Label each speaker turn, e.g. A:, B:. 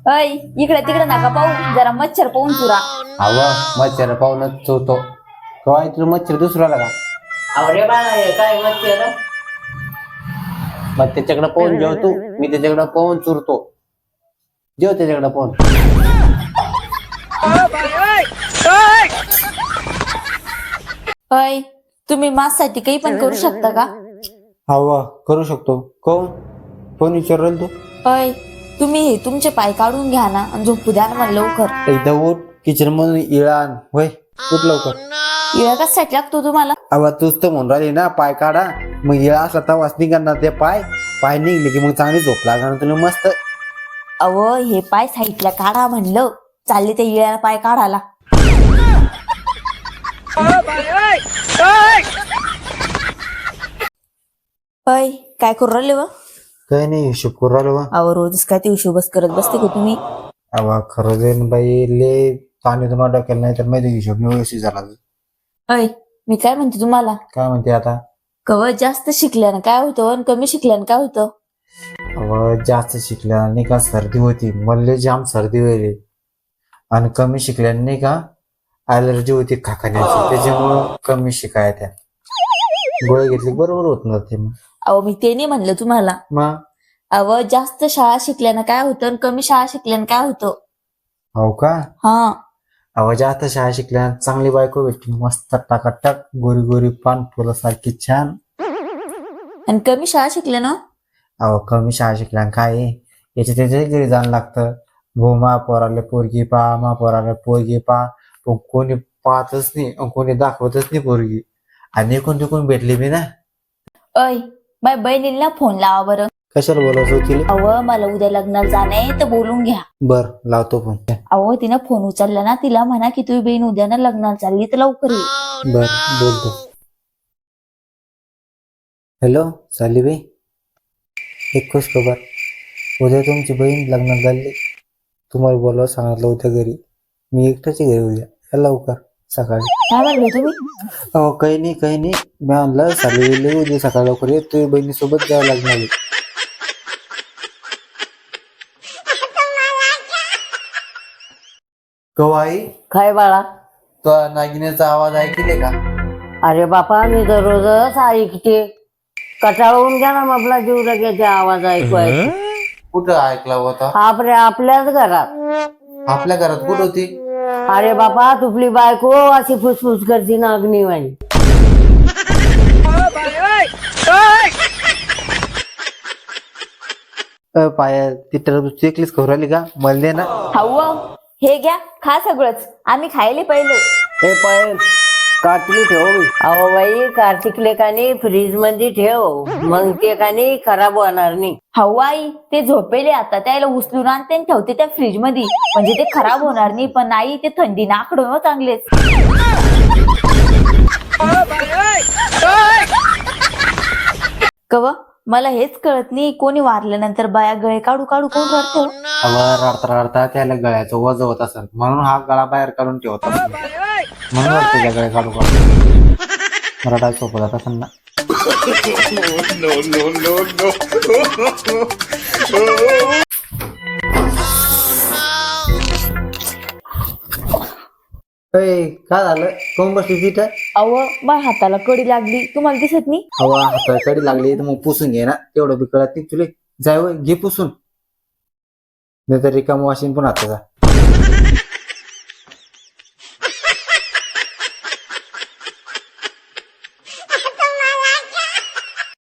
A: अय इकडे तिकडे नका पाहू, जरा मच्छर पाहून चुरा.
B: हवा मच्छर पाहूनच चोतो. काय तुला मच्छर दुसरा लागा?
C: अरे बाळा हे काय मच्छर?
B: मग त्याच्याकडे पाहून जेवतो, मी त्याच्याकडे पाहून चुरतो. जेव त्याच्याकडे पाहून.
A: अय तुम्ही माझ्यासाठी काही पण करू शकता का?
B: हवा करू शकतो. कोण विचारल तू?
A: अय तुम्ही हे तुमचे पाय काढून घ्या ना आणि झोपू द्या ना मला लवकर.
B: एकदा उठ, किचन मधून इळान होय. उठ लवकर.
A: इळा कशासाठी लागतो तुम्हाला?
B: अवा तूच तर म्हणून राहिली ना पाय काढा. मग इळा असला तवाच निघणार ते पाय निघले की मग चांगली झोप लागणार तुला मस्त.
A: अव हे पाय साईडला काढा म्हणलं, चालले त्या इळ्याला पाय काढायला. अय काय करू राहिले व?
B: काही नाही हिशोब करू राहिलो.
A: अव रोजच काय ते हिशोबच करत बसते का तुम्ही?
B: अवा खरं जाईन बाई, ले पाणी तुम्हाला डोक्याला नाही तर माहिती हिशोब नाही व्यवस्थित झाला.
A: अय मी काय म्हणते तुम्हाला,
B: काय म्हणते आता?
A: कव जास्त शिकल्यानं काय होतं आणि कमी शिकल्यानं काय होतं?
B: अव जास्त शिकल्याने नाही का सर्दी होती, मल्ले जाम सर्दी व्हायली. आणि कमी शिकल्याने नाही का ॲलर्जी होती खाण्याची, त्याच्यामुळं कमी शिकाय त्या गोळी घेतली बरोबर होत नव्हते. मग
A: अहो मी ते नाही म्हणलं तुम्हाला.
B: मग
A: अव जास्त शाळा शिकल्यानं काय होतं आणि कमी शाळा शिकल्यानं काय होतं?
B: हो का?
A: हा.
B: अव जास्त शाळा शिकल्या चांगली बायको भेटली, मस्त टाकाटक गोरी गोरी पान फुलं सारखी छान.
A: आणि कमी शाळा शिकल्यानं?
B: अहो कमी शाळा शिकल्या काय याच्या त्याच्या घरी जाणं लागतं. मा पोराले पोरगी पा, मा पोराला पोरगी पा, पण कोणी पाहतच नाही, कोणी दाखवतच नाही पोरगी. आणि कोण तिकून भेटली मी ना.
A: अय बाय बहिणीला फोन लावा बरं.
B: कशाला बोलायचं होती?
A: अव मला उद्या लग्नाला जाणं आहे तर बोलून घ्या.
B: बर लावतो फोन.
A: अहो तिनं फोन उचलला ना, तिला म्हणा की तुझी बहीण उद्या ना लग्नाला चालली तर लवकर ये.
B: बर बोलतो. हॅलो साली बाई, एक खुश खबर. उद्या तुमची बहीण लग्नाला चालली. तुम्हाला बोलावं सांगितलं होतं घरी. मी एकटाच घरी उद्या, या लवकर सकाळी.
A: काय म्हणले तुम्ही?
B: अहो काही नाही मी म्हणलं साली उद्या सकाळी लवकर ये, तुझ्या बहिणीसोबत जावं लागणार. आई
C: काय बाळा?
B: तो नागिनेचा आवाज ऐकले का?
C: अरे बापा मी दररोजच ऐकते. कटाळून घ्या ना आपला जीव लगेच आवाज ऐकवायचा.
B: कुठं ऐकला होता?
C: आपल्याच घरात.
B: आपल्या घरात कुठं होती?
C: अरे बापा तुपली बायको अशी फुसफुस करती ना अग्निवाणी.
B: पाया ती टरबूज चेकलीच खवराली का? मला दे ना.
A: हाऊ हे घ्या, खा सगळंच, आम्ही खायले पहिले.
C: हे पायल कार्तिकी ठेव. अहो बाई कार्तिक लेकानी फ्रीज मध्ये ठेव, मग ते कानी खराब होणार नाही.
A: हाऊ आई ते झोपेले, आता त्याला उचलून आणते आणि ठेवते त्या फ्रीज मध्ये, म्हणजे ते खराब होणार नाही. पण आई ते थंडी नाकडून हो चांगलेच. कव मला हेच कळत नाही, कोणी वारल्यानंतर बाया गळे काढू काढू कोण रडतो?
B: रडता रडता त्याला गळ्याचं वज होत असेल, म्हणून हा गळा बाहेर काढून ठेवत असेल. म्हणून रडतो त्या गळे काढू काढू. रडायला सोपं जात असेल ना. काय झालं? कोण बसली तिथं?
A: अव माझ्या हाताला कडी लागली, तुम्हाला दिसत नाही?
B: हवा हाताला कडी लागली तर मग पुसून घे ना, तेवढं बी कळत नाही तुले. जाय घे पुसून, नाही तर रिकाम वाशीन पण हाताचा.